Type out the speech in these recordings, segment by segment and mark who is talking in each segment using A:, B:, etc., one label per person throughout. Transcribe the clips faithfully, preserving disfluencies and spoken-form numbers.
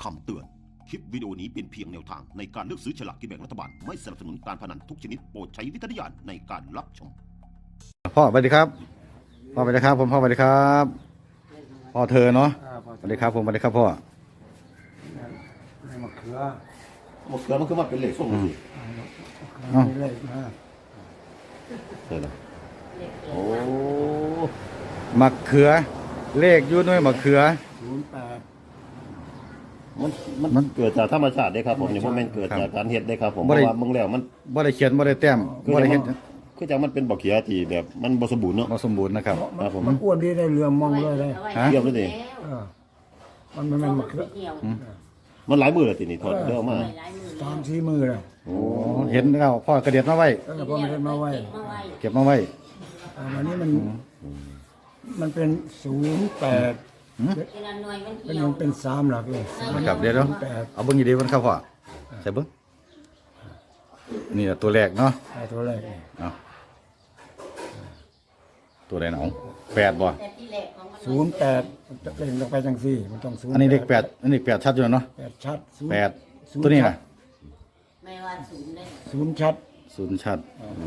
A: คำเตือน คลิปวิดีโอนี้เป็นเพียงแนวทางในการเลือกซื้อฉลากกินแบ่งรัฐบาล ไม่สนับสนุนการพนันทุกชนิดโปรดใช้วิจารณญาณในการรับชม
B: พ่อสวัสดีครับพ่อสวัสดีครับผมพ่อสวัสดีครับพ่อเธอเนาะสวัสดีครับผมสวัสดีครับพ่อ
C: มะเขือ
A: หมดแล้วมันคือมาเป็นเหล็กส่งสิ
C: มะเขือเลยนะ
A: ใช่ไหมโอ้
B: มะเขือเลขอยุ่ด้วยมะเขือ
C: ศูนย์แปด
A: มันมันเกิดจากธรรมชาติได้ครับผมเนี่ยเพราะมันเกิดจากการเฮ็ดได้ครับผมเพราะว่ามึงแล้วมัน
B: บ่ได้เขียนบ่ได้แต้มบ่ได้เห็น
A: คือจังมันเป็นบ่เขียที่แบบมันบ่สมบูรณ์เนาะ
B: บ่สมบูรณ์นะครับ
A: ครับผม
C: มันอ้วนที่ได้เรือมองเลยเลย
B: ฮะ
A: เยี่ยมเลยดิ
C: เออมันไม่แม่นมะเขือ
A: มันหลายมือแล้วตินี่ถอดเด้อมา
C: สามสี่มือเลย
A: โอ้
B: เห็นแล้วพ่อกระเด็ดมาไว้
C: เออพอมันได้มาไว้
B: เก็บมาไว้
C: เออวันนี้มันมันเป็นศูนย์แปดเป็นมันเป็นสามหลักเลย
B: นะครับเดี๋ยวเดี๋ยว
C: แปด
B: เอาเบิ่งอยู่ดีมันครับพ่อใส่เบิ่งนี่แหละตัวแรกเนาะ
C: ไอ้ตัวแรกนี่
B: เอาตัวใดเนาะแปดบ่
C: ศูนย์แปดมันจะเป็นลงไปจังสี่มันต้องศูนย์
B: อันนี้เลขแปดอันนี้แปดชัดอยู่เนาะ
C: แปดชัดศูนย์
B: แปดตัวนี้น่ะ
D: ไม่ว่าศูนย์เลย
C: ศูนย์ชัด
B: ศูนย์ชัด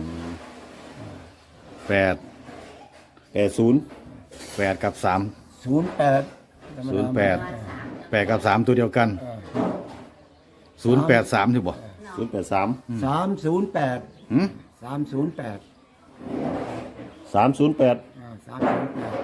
B: แปด
A: แปดศูนย์
B: แปดกับสาม
C: ศูนย์แปด
B: ศูนย์แปดแปดกับสามตัวเดียวกันศูนย์แปดสามถูกบ่
A: ศูนย์แปดสาม
C: สามศูนย์แปด
B: หืม
C: สามศูนย์แปด
A: สามศูนย์แปด
C: อ่าสามศูนย์แปด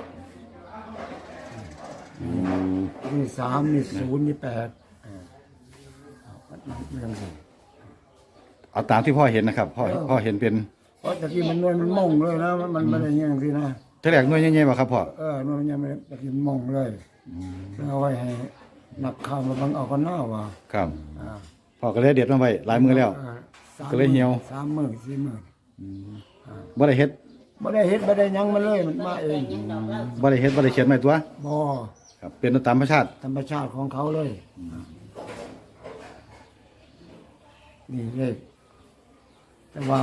C: นี่สามนี่ศูนย์นี่แปดอ่ามันมันยังไง
B: เอาตามที่พ่อเห็นนะครับพ่อพ่อเห็นเป็น
C: เพราะตะกี้มันนวลมันมงเลยนะมันมันไม่ได้ยังสินะ
B: เท่าแรกหน่วยใหญ่ๆบ่ครับพ่อ
C: เออนวลมันยังไม่ได้ตะกี้มันมงเลยแล้วเอาไว้ให้นักข่าวมาบังเอากันหน้าว่า
B: ครับ
C: อ่า
B: พ่อก็เลยเด็ดมาไว้หลายมือแล้ว
C: อ่าสาม
B: ก็เลยเหี่ยว
C: สามหมื่นสี่หมื่น
B: บ่ได้เฮ็ด
C: ไม่ได้เฮ็ดไม่ได้หยังมันเลยมันมาเอง
B: บ่ได้เฮ็ดบ่ได้เขียนไว้ตัว
C: บ่
B: ครับเป็นตามธรรมชาติ
C: ธรรมชาติของเขาเลยนี่เลยแต่ว่า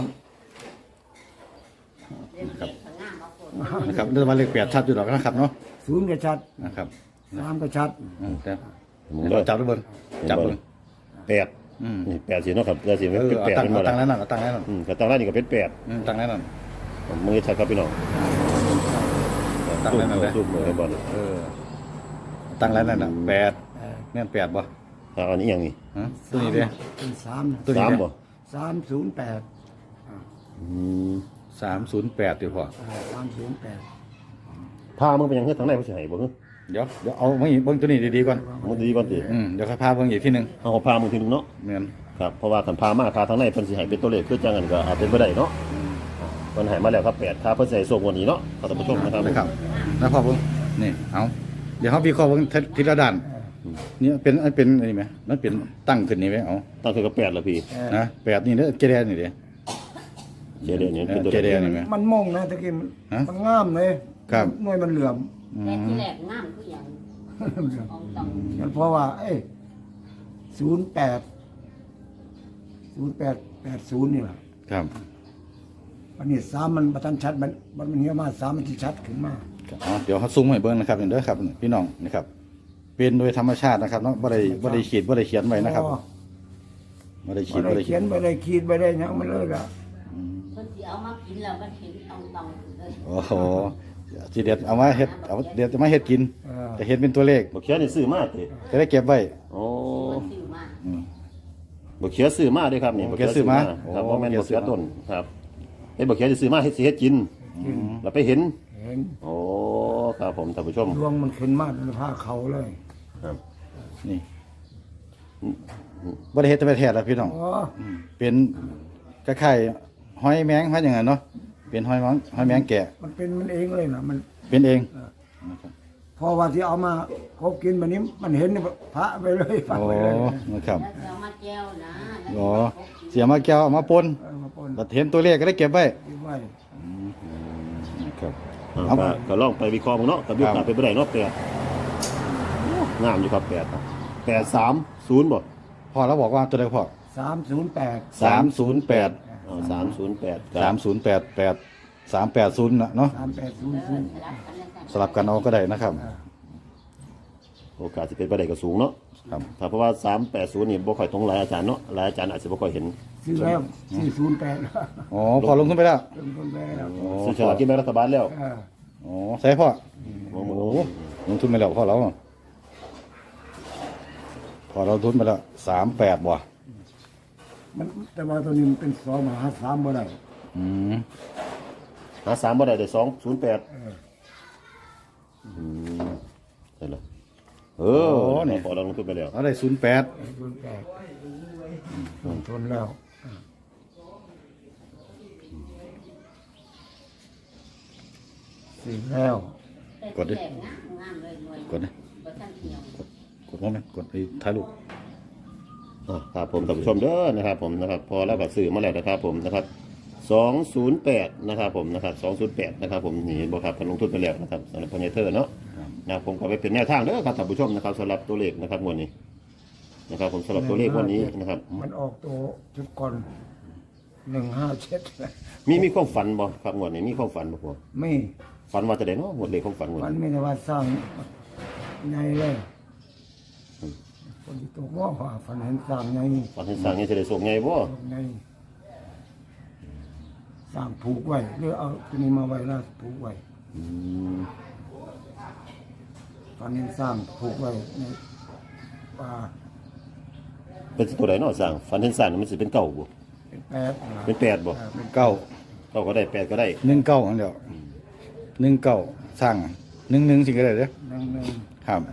B: นะครับเรื่องว่าเลขแปดชัดอยู่ดอกนะครับเนาะ
C: ศูนย์ก็ชัด
B: นะครับ
C: สามก็ชัด
B: อืมแต่เราจับด้วยเบิ่งจับเบิ่ง
A: แปด
B: อืม
A: นี่แปดสิเนาะครับแปดสิ
B: เออ
A: เป็น
B: เอา
A: แปด
B: ตั้ง
A: เป็น
B: เอา
A: บ่
B: ตั้ง
A: ล่ะ
B: นั้นน่ะเอาตั้งนั้นน่ะ
A: อืมก็ตั้งร้านนี่ก็เป็นแปด
B: อืมตั้งนั้นน่ะ
A: มือชัดครับพี่น้อง
B: ตั้งนั้นน่ะเลย
A: รูปมือให้บอล
B: เออตั้งนั้นน่ะแปดแม่นแปดบ่
A: อ่าอันนี้อย่างนี้
B: ฮะตัวนี้เด้
C: เป็นสาม
B: ตัวนี้
A: สาม
B: เด้
A: บ่
C: สามศูนย์แปด
A: อืม
B: สามศูนย์แปดดิพ่อ
C: สามศูนย์แปด
A: พามึงไปยังเฮ็ดทางไหนบ่สิให้บ่ฮึ
B: เดี๋ยวเดี๋ยวเอามาอีกเบิ่งตัวนี้ดีๆก่อน
A: มึงดีก่อนสิ
B: อืมเดี๋ยวค่อยพาเบิ่งอีกทีหนึง
A: เอาพามึงทีนึงเนาะ
B: แม่น
A: ครับเพราะว่าคันพามาพาทางไหนเพิ่นสิให้เป็นตัวเลขคือจังนั้นก็อาจเป็นบ่ได้เนาะเพิ่นให้มาแล้วครับแปดถ้าเพิ่นสิให้ส่งวันนี้เนาะท่านผู้ชมนะครับ
B: นะครับแล้วพ่อเบิ่งนี่เอาเดี๋ยวเฮาวิเคราะห์เบิ่งทีละด้านนี่เป็นอันเป็นอันนี้ไหมมันเป็นตั้งขึ้นนี่ไหมเอา
A: ตั้งคือกับแปดละพี่
B: นะแปดนี่เด้อเจแดนนี่เด้อ
A: เจเดนี่เป็นตัว
B: เจ
A: เล
B: แด
A: ข
B: นนี่ไหม
C: มันมงนะตะกี้มัน
B: ฮะ
C: มันงามเลย
B: ครับ
C: หน่วยมันเหลื่อม
D: แต่ที่แรกน้ำคืออย่างของต้อง
C: มันเพราะว่าเอ้ศูนย์แปดศูนย์แปดแปดศูนย์นี่แหละ
B: ครับ
C: อันนี้สามมันประทันชัดมันมันมันเหี้ยมาสามมันที่ชัดขึ้นมา
B: อ๋อเดี๋ยวเขาซูมให้เบิ่งนะครับเด้อครับพี่น้องนะครับ เป็นโดยธรรมชาตินะครับเนาะบ่ได้บ่ได้ขีดบ่ได้เขียนไว้นะครับ
C: อ๋อ
B: บ่ได้ขี
C: ไม่
B: ดบ่
C: ได้
B: ได้
C: เขียนไม่ได้ขีดไม่ได้หยังมันเลยละ
D: เพิ่นสิเอามากินแล้วมันเห็นตองตองเลย
B: โอ้โหสิเด็ดเอามาเฮ็ดเอาเด็ดจะมาเฮ็ดกิน
C: เออ
B: จะเห็นเป็นตัวเลข
A: บ่เขียนนี่ซื้อมาติ
B: จะได้เก็บไว้
A: โอ้
D: มันซื้อมา
B: อืม
A: บ่เขียนซื้อมาเด้อครับนี่
B: บ่เขียนซื้อมา
A: ครับ
B: โอ้
A: บ่แม่น
B: บ่
A: บ่
B: เขี
A: เขี
B: ย
A: ย
B: น
A: น
B: ซื้อมา
A: ต้นครับเฮ็ดบ่เขียนสิซื้อมาเฮ็ดสิเฮ็ดกินแล้วไปเห็น
C: เห็น
A: โอ้ครับผมท่านผู้ชม
C: ดวงมันขึ้นมาเป็นผ้าเขาเลย
A: ครับ
B: นี่บ่ได้เฮ็ดแต่ไปแท้แล้วพี่น้อง
C: อ๋อ
B: มเป็นคล้ายๆหอยแมงหอยอย่างนั้นเนาะเป็นหอยแมงหอยแมงแกะ
C: มันเป็นมันเองเลยนะมัน
B: เป็นเอง
C: พอว่าที่เอามาเขากินแบบนี้มันเห็นเนี่ยพระไปเลยพระ
B: โอ้
C: ไปเลย
B: นะครับ
D: แล้วจะเอามาแก้วนะแล้ว
B: อ๋อเสียมาแก้วเอามาปน
C: เอามาปน
B: บัดเห็นตัวเลขก็ได้เก็บไว้
C: เก็บไว้
B: นะครับ
A: อ่า
B: เอา
A: ก็ก็ลองไปวิเคราะห์มึงเนาะกับยุค
B: ครั
A: กา
B: บ
A: เป็นบ่ได้เนาะแปดงามอยู่ครับแปดแปดสามศูนย์บ่
B: พ่อเราบอกว่าตัวใดพ่อ
C: สามศูนย์แปด
B: สามศูนย์แปด
A: อ๋อสามศูนย์แปด
B: สามศูนย์แปดแปดสามแปดศูนย์นะเนาะ
C: สามแปดศูนย์ศูนย์
D: สลับกันแล้วกัน
B: สลับกันเอาก็ได้นะครับ
A: โอกาสสิเป็นบ่ได้ก็สูงเนาะ
B: สครับ
A: ถ้าเพราะว่าสามแปดศูนย์นี่บ่ค่อยตรงหลายอาจารย์เนาะหลายอาจารย์อาจจะบ่ค่อยเห็น
C: ซื้อแล้วสี่ศูนย์แปด
B: อ๋อพอลงทุนไปแล้ว
C: เริ่มต้นไปแล้ว
B: อ๋อ
A: ซื้อฉลากกินแบ่งรัฐบาลแล้ว
C: เออ
B: อ๋อใช่พ่อ
A: โอ้โห
B: โอ้ลงทุนไปแล้วพ่อเราพอเราลงทุนไปแล้วสามแปดบ่
C: มันแต่ว่าตัวนี้มันเป็นสองมหาสามบ่ได้
B: อืม
A: หาสามบ่ได้ได้สองศูนย์แปด
C: เออ
A: อืมใช่แล้วเออเนี่ยพอเราลงทุนไปแล้ว
B: เราได้ศูนย์แปด
C: ศูนย์แปดลงทุนแล้วเออซื้อแล้ว
B: กดดิ
D: แตกงามงามเลยหน่วย
B: กดดิ
D: บ่ทันเที่ยว
B: กดพร้อมไหมกดไอ้ถ่ายรูป
A: อ่ะครับผมท่านผู้ชมเด้อนะครับผมนะครับพอแล้วก็ซื้อมาแล้วนะครับผมนะครับสองศูนย์แปดนะครับผมนะครับสองศูนย์แปดนะครับผมนี่เห็นบ่ครับเพิ่นลงทุนไปแล้วนะครับสำหรับพญเทอร์เนาะนะครับผมก็ไปเป็นแนวทางเด้อครับท่านผู้ชมนะครับสำหรับตัวเลขนะครับงวดนี้นะครับผมสำหรับตัวเลขงวันนี้นะครับ
C: มันออกตัวจุดก่อนหนึ่งห้าเจ็ด
A: มีมีความฝันบ่ครับงวดนี้มีความฝันบ่พ่อ
C: ไม่
A: ฝันว่าจะได้เนาะงวดเลขความฝันงวด
C: มัน
A: นี้
C: ไม่ได้ว่าสร้างไงเลยคนที่ตกว่าว่าฝันเห็นสร้างไง
A: ฝันเห็นสร้างนี่จะได้ส่งไงบ่
C: ไงสร้างผูกไว้หรือเอาตัวนี้มาไว้แล้วผูกไว้
A: อืม
C: ฝันเห็นสร้างผูกไว้ในป่า
A: เป็นตัวใดเนาะสร้างฝันเห็นสร้างนี่มันสิเป็นเก้าบ่
C: เป็นแปดนะ
A: เป็นแปดบ่
C: เออเป็น
B: เก้า
A: เก้าก็ได้แปดก็ได้
B: หนึ่งเก้าอันเดียวหนึ่งเก้าสร้างหนึ่งหนึ่งสิก็ได้เด้อ
C: หนึ่งหนึ่ง
B: ครับ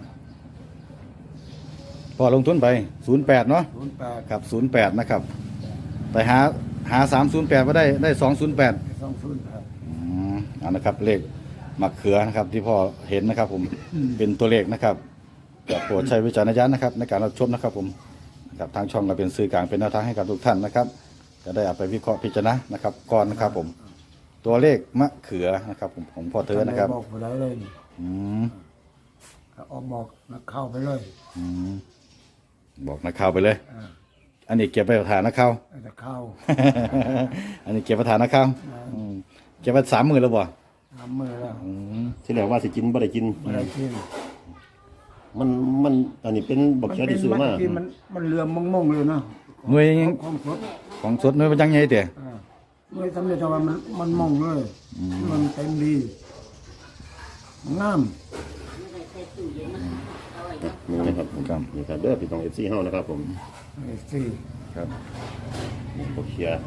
B: พอลงทุนไปศูนย์แปดเนาะ
C: ศูนย์แปด
B: ครับศูนย์แปดนะครับไปหาหาสามศูนย์แปดมาได้ได้สองศูนย์แปด
C: สองศูนย์แปด
B: อืมเอันนะครับเลขมะเขือนะครับที่พ่อเห็นนะครับ ผมเป็นตัวเลขนะครับก็โปรดใช้วิจารณญาณนะครับ ในการรับชมนะครับ ผมนะครับทางช่องก็เป็นสื่อกลางเป็นแนวทางให้กับทุกท่านนะครับจะได้เอาไปวิเคราะห์พิจารณานะครับก่อนนะครับ ผมตัวเลขมะเขือนะครับผมของพ่อเธอนะครับ
C: บอกผู้ใดเลย
B: อืม
C: ก็ออกบอกนักเข้าไปเลย
B: อืมบอกนักข่าวไปเลย
C: อ่า
B: อันนี้เก็บไปประธานนักข่าว
C: จะเข้า
B: อันนี้เก็บประธานนักข่าวอืมเก็บไปสามหมื่นแล้วบ่
C: ทำมือแล้ว
B: อืม
A: ที่แรกว่าสิกินบ่ได้กิน
C: ไม่ได้กิน
A: มันมันอันนี้เป็นบักเขียที่ซื้อมา
C: ที่มันมันเรือมมงๆเลยเนาะ
B: หน่วยยัง
C: ของสด
B: ของสดหน่วยมันยังไงเตี๋ย
C: อ่าเมื่อทำได้แต่ว่ามันมันมองเลยมันเต็มดีงาม
D: ไม่ได้ใส่ตู้เย็นมาเอาไว้เนาะ
A: นี่นะครับ
B: ครับ
A: นี่ครับเด้อพี่น้อง เอฟ ซี เฮานะครับผม
C: ไอ้สี่
B: ครับ
A: บักเขีย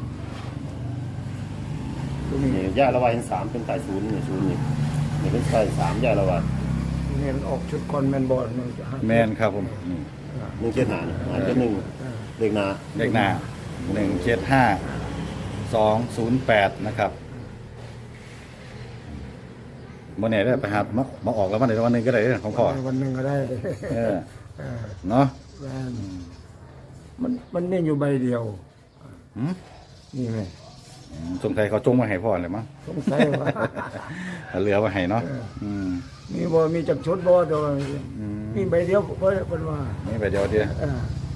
C: ตัวนี้
A: นี่ย่าละวาเห็นสามเป็นสายศูนย์นี่ศูนย์นี่นี่เป็นสายสามย่าละวา
C: ตัวนี้มันออกชุดคอนแมนบอลมันจะหา
B: แมนครับผมนี่
A: หนึ่งเจ็ดหานี่หาเจ็ดหนึ่งเลขหนา
B: เลขหน้าหนึ่งเจ็ดห้าสองศูนย์แปดนะครับโมเน่ได้ไปหามามาออกแล้ววันไหนวันหนึงก็ได้เด้อของพ่อ
C: วันหนึ่งก็ได้
B: เออ
C: เออ
B: เนาะ
C: แม่นมันมันนี่อยู่ใบเดียว
B: หืม
C: นี่ไง
B: สงสัยเขาจงมาให้พ่อเลยมั้ง
C: สงสัยว่า
B: เอาเหลือมาให้เนาะอืม
C: มีบ่มีจักชุดบ่โดยมีใบเดียวเพิ่นเพิ่นว่า
B: นี่ไปเดียวเดียว
C: เออ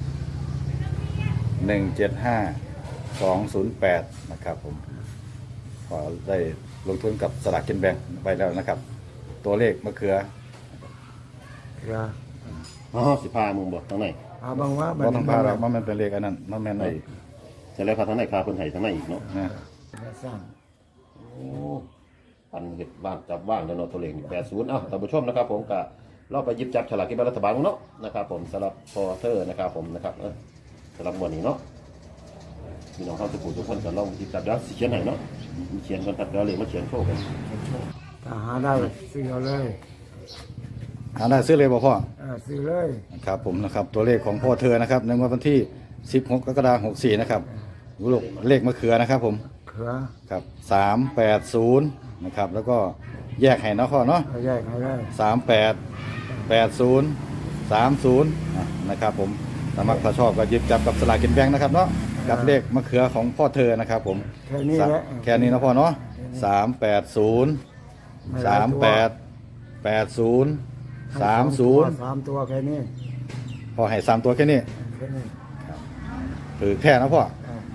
B: หนึ่งเจ็ดห้าสองศูนย์แปดนะครับ ผมพอได้ลงทุนกับสลากกินแบ่งไปแล้วนะครับ ตัวเลขมะเขือ
C: เรือ
A: อ๋อสิพามึงบ่ทางไหน
C: พาบางว่า
B: ก็ต้องพาเรามันเป็นเลขอันนั้นมันแม่นไอ้
A: แต่แล้วพาทางไหนพาคนไห้ทางไหนอีกเนาะ
B: นะ
C: สร้าง
A: โอ้ปันเห็ดว่างจับว่างแล้วเนาะตัวเลขแปดศูนย์เอ้าท่านผู้ชมนะครับผมก็เราไปหยิบจับฉลากกินแบ่งรัฐบาลเนาะนะครับผมสำหรับพอเทอร์นะครับผมนะครับเออสำหรับวันนี้เนาะพี่น้องเข้าสุขุทุกคนก็ลองหยิบจับเดี๋ยวสิเขียนให้เนาะมีเขียนกันครับเดี๋ยวเลยมาเขียนโชว์กัน
C: ถ้าหาได้ซื้อเอาเลย
B: หาได้ซื้อเลยบ่พ่อ
C: เออซื้อเลย
B: ครับผมนะครับตัวเลขของพ่อเธอนะครับในวันที่สิบหกกรกฎาคมหกสี่นะครับลูกเลขมะเขือนะครับ ผม
C: เขือ
B: ครับสามแปดศูนย์นะครับแล้วก็แยกให้เนาะพ่อเนาะ
C: เอาแยกให้ได้
B: สามแปดแปดศูนย์สามศูนย์นะครับผมสมัครถ้าชอบก็หยิบจับกับสลากกินแบ่งนะครับเนาะกับเลขมะเขือของพ่อเธอนะครับ ผม
C: แค่นี้แหละ
B: แค่นี้นะพ่อเนาะสามแปดศูนย์สามแปดแปดศูนย์สามศูนย์
C: สามตัวแค่นี้
B: พอให้สามตัวแค่นี้
C: แค่นี้
B: ถือแค่นะพ่อ
C: เออ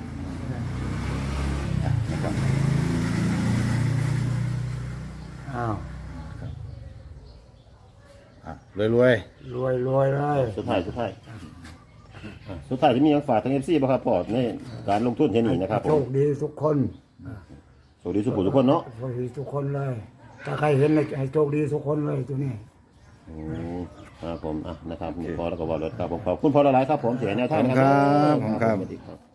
B: นะครับ
C: อ้าว
B: อ่ะรวยรวย
C: รวยรวยเลย
A: สุดท้ายสุดท้ายอ่ะสุดท้ายจะมียังฝากทางเอฟซีบ่ครับพ่อในการลงทุนเช่นนี้นะครับผ
C: โช
A: ม
C: คดีทุกคน
A: สวัสดีสุขุมทุกคนเนาะ
C: โชคดีทุกคนเลย ถ้าใครเห็นเลยให้โชคดีทุกคนเลยตัวนี้
A: อืมครับผมอ่ะนะครับพอแล้วก็บอกรถครับผมขอบคุณพ่อหลายๆครับผมเสียแนว
B: ๆข
A: ทา
B: อบ
A: ง
B: คุณ
A: นะ
B: ค
A: ค
B: รั
A: รั
B: บบ ขอบคุณครับ
A: สวัสดีครับ